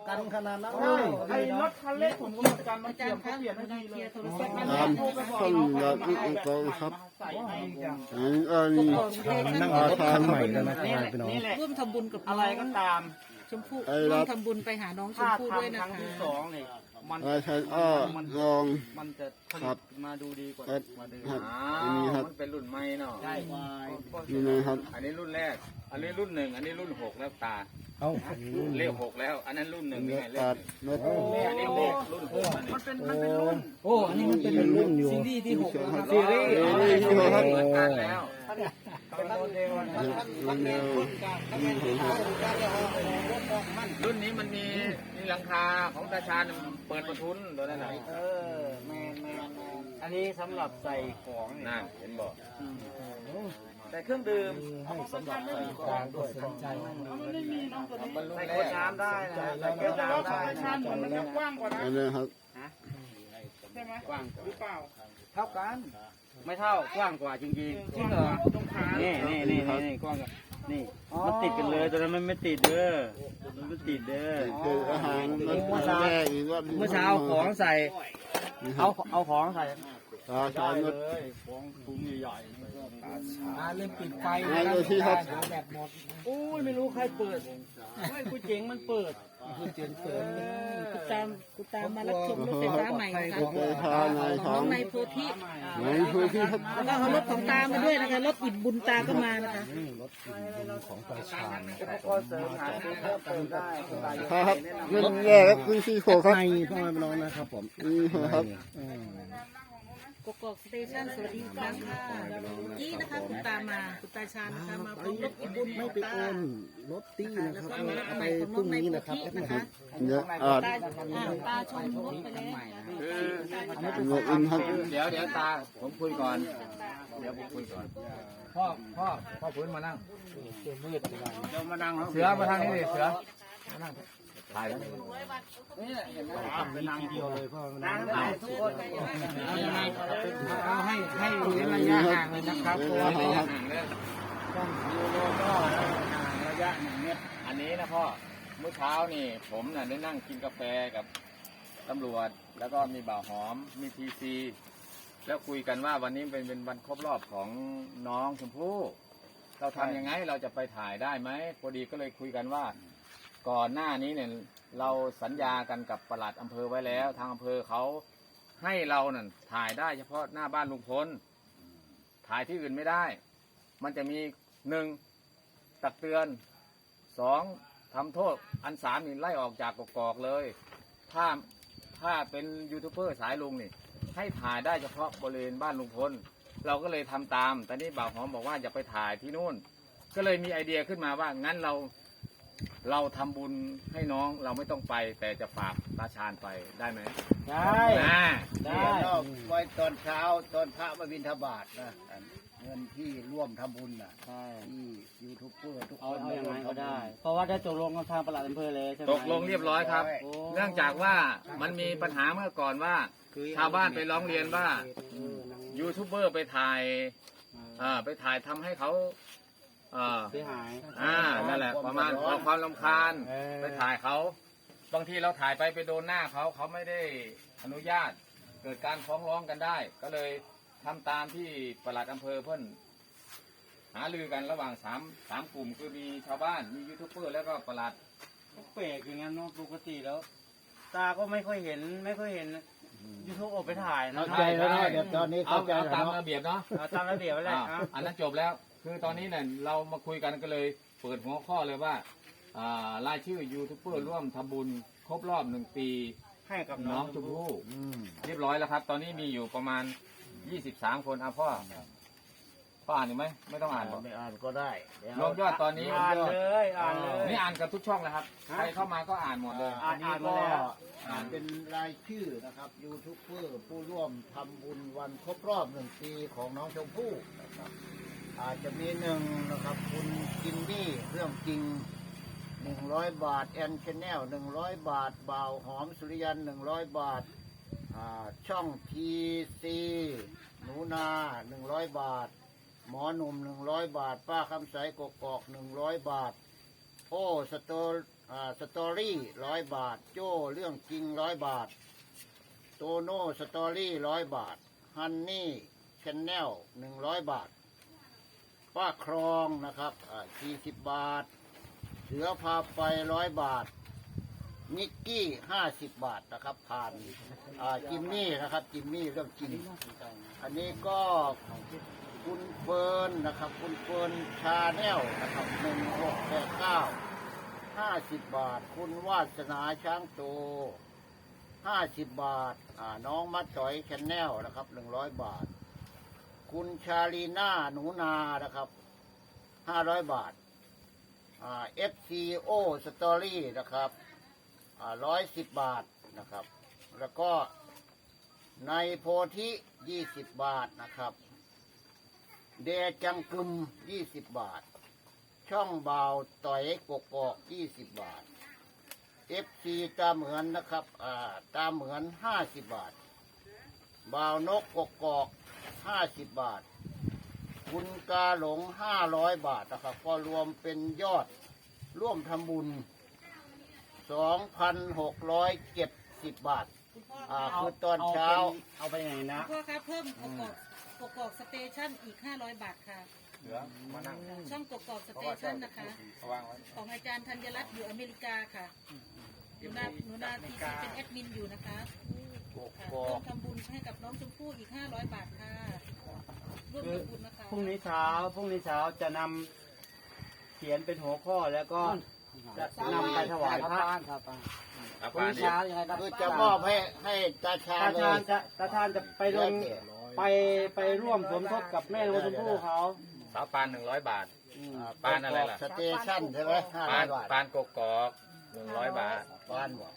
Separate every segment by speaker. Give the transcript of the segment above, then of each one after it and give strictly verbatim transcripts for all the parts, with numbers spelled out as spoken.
Speaker 1: กันขนาดนั้น
Speaker 2: ใช่ไอ้รถคันเล็กผมก็เหมือนกันมันเกี่ยวเขาเปลี่ยนให้ดีเลย
Speaker 3: ตามต้นยาอุกองครับอันอันนี้
Speaker 1: นั่งรถคันใหม่แล้วนะครับพี่น้อง
Speaker 4: ร่วมทำบุญกับ
Speaker 2: อะไรก็ตาม
Speaker 4: ชมพู่ร่วมทำบุญไปหาน้องชม
Speaker 2: ถ้า
Speaker 4: พู่ด้วย
Speaker 2: ทำค
Speaker 4: นะ
Speaker 2: รั้ง
Speaker 4: คะ
Speaker 2: ที่สองเนี่ยมัน
Speaker 3: อาชันอ้อลอง
Speaker 2: มันจะผ
Speaker 3: ครั
Speaker 2: ลิ
Speaker 3: บ
Speaker 2: ตมาดูดีกว่า
Speaker 3: ครับ
Speaker 2: กว่าเดิม
Speaker 3: ครับ
Speaker 5: อ้า
Speaker 3: อันนี้ครั
Speaker 5: ว
Speaker 3: บ
Speaker 5: มันเป็นรุ่นใหม่เนาะ
Speaker 2: ใช่
Speaker 3: นี่นะครับ
Speaker 5: อันนี้รุ่นแรก อันนี้รุ่นหนึ่งอันนี้รุ่นหกแล้วตา
Speaker 1: เอ้า
Speaker 5: เลขหกแล้ว อันนั้นรุ่นหนึ่งนี่
Speaker 3: เนื้อ
Speaker 5: ไงเลข
Speaker 3: ตัด
Speaker 5: หนึ่ง
Speaker 3: เนื้อ
Speaker 5: นี่อันนี้เลขรุ่นหกอันนี้
Speaker 2: มันเป็นมันเป็นรุ่น
Speaker 1: โอ้อันนี้มันเป็นรุ่นอยู่
Speaker 2: ซีรีส์ที่หกนะครับ
Speaker 3: ซีรีส์ที่หกครับ
Speaker 5: เหมือนกันแล้ว
Speaker 2: เป็นโมเดลนะ
Speaker 3: รุ่นเดียวนี่ผมครับ
Speaker 5: รุ่นนี้มันมีมีหลังคาของตาชาญเปิดประทุนตัวนั้นน่ะ
Speaker 2: เออแมนแมนแมนอันนี้สำหรับใส่ของเนี่ย
Speaker 5: นั่นเห็นบอก
Speaker 2: แต่เครื่องดื่ม
Speaker 1: ให้สำหรับใส่กลางด้วยสนใจ
Speaker 5: มันรุ่น
Speaker 2: ใส่
Speaker 5: แร
Speaker 2: ขวด
Speaker 5: ก
Speaker 2: น้ำได้นะใส่ขวดน้ำได้นะ
Speaker 1: มันจะกว้างกว่า
Speaker 3: อันนี้ครับ
Speaker 2: กว้างหรือเปล่าเท่ากัน ไม่เท่ากว้างกว่าจริงๆจริงเหรอนี่นี่นี่นี่กว้างกว่านี่มันติดกันเลยตอนนั้นมันไม่ติดเด้อมันไม่ติดเด้อ
Speaker 3: คืออาหารมันแรกอีกว่า
Speaker 2: เมื่อเช้าเอาของใส่เอาเอาของใส่
Speaker 3: ตาชาญรถ
Speaker 2: ของถุงใหญ่
Speaker 1: อ่าเริ่มปิดไฟ
Speaker 3: งานอยู่ที่ครับ
Speaker 1: แบบหมด
Speaker 2: ๆโอ้ยไม่รู้ใครเปิดไม่กูเจ๋งมันเปิด
Speaker 1: คือเจียนเปิด
Speaker 4: กูตามกูตามมารับชมรถไฟฟ้าใหม่นะคะ
Speaker 3: รถไฟฟ้าในข
Speaker 4: น้
Speaker 3: อ
Speaker 4: อง งในโพธิ
Speaker 3: ในพื้นที่ครับ
Speaker 4: แล้วก็เอารถของตามาด้วยนะคะรถอิ่มบุญตาก็มานะคะ
Speaker 1: รถกินบุญของประชาชน
Speaker 2: อุปกรณ์เสริมหาซื้อเพิ่มเติมได้สบาย
Speaker 3: ครับรุ่นแรกครับรุ่นที่หกครับ
Speaker 1: ในพ่อแม่พี่น้องนะครับผม
Speaker 3: นี่ครับ
Speaker 1: อืม
Speaker 4: กกอกสเตชันสวัสดีอีกครั้งค่ะนี่นะคะคุณตามาคุณตาชาญนะคะมาพร้อมรถอิ่มบุญข
Speaker 1: ไม่
Speaker 4: อง
Speaker 1: ไป
Speaker 4: ตา
Speaker 1: โอนรถตี้นะ
Speaker 4: แล้ว
Speaker 1: ครับ
Speaker 4: ก็มีรถ
Speaker 1: เอา
Speaker 4: ให
Speaker 1: ไป
Speaker 4: ม่ของ
Speaker 1: พ
Speaker 4: น้
Speaker 1: รุ่
Speaker 4: อง
Speaker 1: ง
Speaker 4: ใน
Speaker 1: นี้
Speaker 4: โพ
Speaker 1: นะครับ
Speaker 4: ธินะคะ
Speaker 3: เนี่ยอาจ
Speaker 4: ตาอ่าตาชมรถไปแล้ว
Speaker 3: เนื้ออินครับ
Speaker 5: เดี๋ยวเดี๋ยวตาผมคุยก่อน เดี๋ยวผมคุยก่อน พ่อพ่อพ่อพื้นมานั่ง
Speaker 2: เดี๋ยวมานั่ง
Speaker 5: เสือมาทางนี้ดิเสือมานั่งถ่ายแล้ว
Speaker 2: นี่เห็นไหม
Speaker 1: เป็นทีเดียวเลยพ่อแม่
Speaker 2: นั่ง
Speaker 1: พี่น้อง
Speaker 2: ได้ทุกคนเอาให้ให้เว้นระยะห่างเลยนะครับเพราะว่าต้องยูโรก็ห่างระยะหนึ่งเมตร
Speaker 5: อันนี้นะพ่อ เมื่อเช้านี่ ผมน่ะได้นั่งกินกาแฟกับตำรวจ แล้วก็มีบ่าวหอม มีทีซี แล้วคุยกันว่าวันนี้เป็นเป็นวันครบรอบของน้องชมพู่ เราทำยังไงเราจะไปถ่ายได้ไหมพอดีก็เลยคุยกันว่า ก่อนหน้านี้เนี่ยเราสัญญากันกับปลัดอำเภอไว้แล้ว ทางอำเภอเขาให้เรานั่นถ่ายได้เฉพาะหน้าบ้านลุงพลถ่ายที่อื่นไม่ได้ มันจะมีหนึ่งตักเตือนสองทำโทษอันสามนี่ไล่ออกจากกกอกเลย ถ้าถ้าเป็นยูทูบเบอร์สายลุงนี่ให้ถ่ายได้เฉพาะบริเวณบ้านลุงพลเราก็เลยทำตามแต่นี่บ่าวหอมบอกว่าอย่าไปถ่ายที่นู่น ก็เลยมีไอเดียขึ้นมาว่างั้นเราเราทำบุญให้น้องเราไม่ต้องไป แต่จะฝากตาชาญไปได้ไหม
Speaker 2: ได้
Speaker 5: อ่า
Speaker 2: ได้
Speaker 6: ไว้ตอนเช้าตอนพระมาบิณฑบาตนะเงินที่ร่วมทำบุญน่ะ
Speaker 2: ใช่
Speaker 6: ที่ยูทูบเบอร์ทุกค
Speaker 2: เอา
Speaker 6: น
Speaker 2: เอาอย่าง
Speaker 6: ร่ว
Speaker 2: ไร
Speaker 6: ม
Speaker 2: ก็
Speaker 6: ทำบุญ
Speaker 2: ได้ เพราะว่าได้ตกลงกับทางปลัดอำเภอเลยใช่ไหม
Speaker 5: ตกลงเรียบร้อยครับ
Speaker 2: โอ้
Speaker 5: เนื่องจากว่ามันมีปัญหาเมื่อก่อนว่า ชาวบ้านไปร้องเรียนว่ายูทูบเบอร์ไปถ่ายอ่าไปถ่ายทำให้เขาอ่า
Speaker 2: เสียหาย
Speaker 5: อ่านั่นแหละประมาณขอความรำคาญ
Speaker 2: เออ
Speaker 5: ไปถ่ายเขาบางทีเราถ่ายไปไปโดนหน้าเขาเขาไม่ได้อนุญาต เกิดการฟ้องร้องกันได้ ก็เลยทำตามที่ปลัดอำเภอเพิ่นหารือกันระหว่างสามสามกลุ่มคือมีชาวบ้านมียูทูบเบอร์แล้วก็ปลัด
Speaker 2: แปลกอย่างนั้นเนาะปกติแล้ว ตาก็ไม่ค่อยเห็นไม่ค่อยเห็นยูทูบออกไปถ่ายนะ
Speaker 6: เข้าใจแล้วนะเดี๋ยวตอนนี้
Speaker 5: เอา
Speaker 6: เข้าใจ
Speaker 5: เอา
Speaker 6: แล้ว
Speaker 5: ตาม
Speaker 6: เนาะ
Speaker 5: ระเบียบเนาะ
Speaker 2: เอาตามระเบียบไว้แหละ
Speaker 5: อ่า
Speaker 2: อ่ะ
Speaker 5: อันนั้นจบแล้ว คือตอนนี้เนี่ยเรามาคุยกันก็เลยเปิดหัวข้อเลยว่าอ่ารายชื่อยูทูบเบอร์ร่วมทำบุญครบรอบหนึ่งปี
Speaker 2: ให้กับ
Speaker 5: น้
Speaker 2: น้
Speaker 5: อ
Speaker 2: อง ง
Speaker 5: ชมพู่
Speaker 6: อืม
Speaker 5: เรียบร้อยแล้วครับ ตอนนี้มีอยู่ประมาณยี่สิบสามคนอ่ะพ่อพ่ออ่านอีกไหมไม่ต้องอ่านบอก
Speaker 6: ไม่อ่านก็ได้เดี๋ยว
Speaker 5: รวมยอดตอนนี้
Speaker 2: อ่านเลยอ่านเลย
Speaker 5: นี่อ่านกับทุกช่องนะครับ ใครเข้ามาก็อ่านหมดเลย
Speaker 6: อันนี้ก็
Speaker 2: อ่านมาแล้ว
Speaker 6: อ่านเป็นรายชื่อนะครับยูทูบเบอร์ผู้ร่วมทำบุญวันครบรอบหนึ่งปีของน้องชมพู่นะครับอาจจะมีหนึ่งนะครับคุณจินนี่เรื่องจริงหนึ่งร้อยบาทแอนชแนลหนึ่งร้อยบาทบ่าวหอมสุริยันหนึ่งร้อยบาทอ่าช่องทีซีหนูนาหนึ่งร้อยบาท หมอหนุ่มหนึ่งร้อยบาท ป้าคำใสกกอกหนึ่งร้อยบาท โอ้สโตอ่าสตอรี่ร้อยบาท โจ้เรื่องจริงร้อยบาท โตโน่สตอรี่ร้อยบาท ฮันนี่ชแนลหนึ่งร้อยบาท ป้าครองนะครับอ่าสี่สิบบาท เสือพาไปร้อยบาท นิกกี้ห้าสิบบาทนะครับ ผ่านอ่าจิมมี่นะครับ จิมมี่เรื่องจริง อันนี้ก็คุณเฟิร์นนะครับ คุณเฟิร์นชาแนลนะครับหนึ่งหกแปดเก้าห้าสิบบาท คุณวาสนาช้างโตห้าสิบบาทอ่าน้องมัดจ่อยชแนลนะครับหนึ่งร้อยบาท คุณชาลีน่าหนูนานะครับห้าร้อยบาทอ่า เอฟ ซี โอ Story นะครับอ่าร้อยสิบบาทนะครับ แล้วก็ในโพธิยี่สิบบาทนะครับ เดจังกึมยี่สิบบาท ช่องบ่าวต่อยกกอกยี่สิบบาท เอฟซีตาเหมือนนะครับอ่าตาเหมือนห้าสิบบาท บ่าวนกกกอกห้าสิบบาท คุณกาหลงห้าร้อยบาทนะครับ ก็รวมเป็นยอดร่วมทำบุญสองพันหกร้อยเจ็ดสิบบาท
Speaker 4: คุณพ่อ
Speaker 6: อ่า
Speaker 4: คะ
Speaker 6: คือตอนเช้า
Speaker 1: เอาไปไหนนะ
Speaker 4: คุณพ่อคะเพิ่มกกอกกกอกสเตชันอีกห้าร้อยบาทค่ะ
Speaker 5: เหลือมานั่ง
Speaker 4: ช่องกกอกสเตชันนะคะ
Speaker 5: วางไว้
Speaker 4: ของอาจารย์ธัญรัตน์อยู่อเมริกาค่ะหนูนาหนูนาทีซีเป็นแอดมินอยู่นะคะ
Speaker 6: ก
Speaker 4: ค่ะ
Speaker 6: กอ
Speaker 4: ร่ว
Speaker 6: ก
Speaker 4: มทำบุญให้กับน้องชมพู่อีกห้าร้อยบาทค่ะร่วมทำบุญนะคะ
Speaker 2: พรุ่งนี้เช้าพรุ่งนี้เช้าจะนำเขียนเป็นหัวข้อแล้วก็จะนำไปถวายพระ
Speaker 5: อา
Speaker 2: พรุ่ง
Speaker 5: ปาน
Speaker 2: นี้
Speaker 5: นี่
Speaker 2: เช้ายังไงครับ
Speaker 6: คือจะมอบให้ให้ตาชา
Speaker 2: ตา
Speaker 6: เล
Speaker 2: ชาญ
Speaker 6: ย
Speaker 2: จะตาชาญจะไปลงไปไปร่วมสมทบกับแม่น้องชมพู่เขา
Speaker 5: สาวปานหนึ่งร้อยบาท
Speaker 2: อืม
Speaker 5: ปานอะไรล่ะ
Speaker 6: สเตชันใช่ไหมห้า
Speaker 5: ปา
Speaker 6: ร้อน ยบาท
Speaker 5: ปานกกอกหนึ่งร้อยบาท
Speaker 6: ปานบอก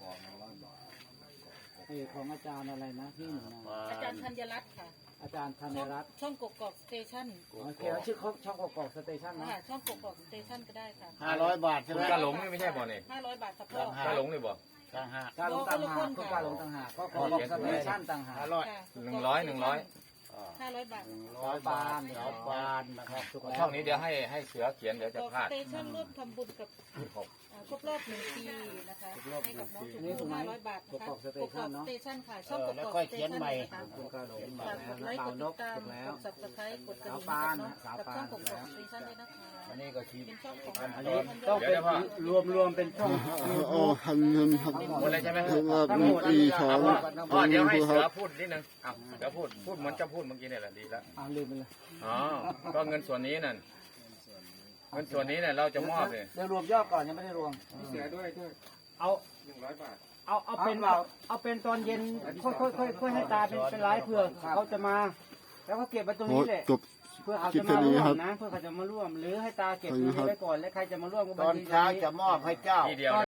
Speaker 2: ของอาจารย์อะไรนะที่หนึ่ง
Speaker 4: อาจารย์ธัญรัตน์ค่ะ
Speaker 2: อาจารย์ธัญรัตน์
Speaker 4: ช่องกกอกสเตชัน
Speaker 2: โอเคชื่อเขาช่องกอกสเตชันนะ
Speaker 4: ค่ะช่องกกอกสเตชันก็ได้ค่ะ
Speaker 6: ห้าร้อยบาทใช่
Speaker 5: คุ
Speaker 6: ไห
Speaker 5: ณ
Speaker 6: ม
Speaker 5: กาหลงนี่ไม่ใช่บ่เนี่ย
Speaker 4: ห้าร้อยบาทค่ะพ่อ
Speaker 5: กาหลงนี่บ่
Speaker 6: ต่างหาก
Speaker 2: การลงต่างหากก็การลงต่างหากก็กอกสเตชันต่างหาก
Speaker 6: ห้าร้อย
Speaker 4: ค่ะ
Speaker 5: หนึ่งร้อยหนึ่งร้อย
Speaker 4: ห้าร้อยบาท
Speaker 6: ร้อยบาทสาวปานนะครับ
Speaker 5: ช่องนี้เดี๋ยวให้ให้เสือเขียนเดี๋ยวจะ
Speaker 4: กอก
Speaker 5: พลา
Speaker 4: ส
Speaker 5: ด
Speaker 4: เตชันร่วมทำบุญกับอ่าครบรอบหนึ่งปีนะคะให้กับน้องชมพู่ห้าร้อยบาทนะคะกกอกสเตชันค่ะช่องกกอกสเตชันนะคะ
Speaker 2: คุณการลง
Speaker 4: ฝากกดไลค์กดติดตามกด subscribe กดกระดิ่งให้กับน้องกับช่องกกอกสเตชันด้วยนะคะ
Speaker 6: อันนี้ก็ชี
Speaker 4: เป็นช่องของ
Speaker 2: อันนี้ต้องเป็นรวมรวมเป็นช่อง
Speaker 3: โอ้ทำเงินทำ
Speaker 5: หมดเลยใช่ไหม
Speaker 3: คือว่าปีสอง
Speaker 5: พ่อเดี๋ยวให้
Speaker 3: ค
Speaker 5: เสือ
Speaker 3: รับ
Speaker 5: พูดนิดนึงอ้าวเสือพูดพูดเหมือนจะพูดเมื่อกี้เนี่ยแหละดีแล้ว
Speaker 2: อ่าลืมไปเลย
Speaker 5: อ๋อก็เงินส่วนนี้นั่นเงินส่วนนี้เนี่ยเราจะมอบเลย
Speaker 2: เดี๋ยวรวมยอดก่อนยังไม่ได้รวม
Speaker 5: เสือด้วยด้วย
Speaker 2: เอา
Speaker 5: หนึ่งร้อยบาท
Speaker 2: เอาเอาเป็นเอาเอาเป็นตอนเย็นค่อยค่อยค่อยค่อยให้ตาเป็นเป็นไลฟ์เพื่อเขาจะมา แล้วก็เก็บไว้ตรง
Speaker 3: โอ้
Speaker 2: นี้แหละ
Speaker 3: จบ
Speaker 2: เพื่อเขา
Speaker 3: คลิป
Speaker 2: จะมา
Speaker 3: แค่นี้
Speaker 2: ร่ว
Speaker 3: ครั
Speaker 2: ม
Speaker 3: บ
Speaker 2: นะ เพื่อเขาจะมาร่วม หรือให้ตาเก็บ
Speaker 3: ขอบคุ
Speaker 2: เงิ
Speaker 3: ณ
Speaker 2: น
Speaker 3: ครับ
Speaker 2: ไว้ก่อนแล้วใครจะมาร่วมก็
Speaker 6: ต
Speaker 2: บัญ
Speaker 6: อน
Speaker 2: ชี
Speaker 6: เช้าจะมอบให้เจ้า
Speaker 5: ทีเดียว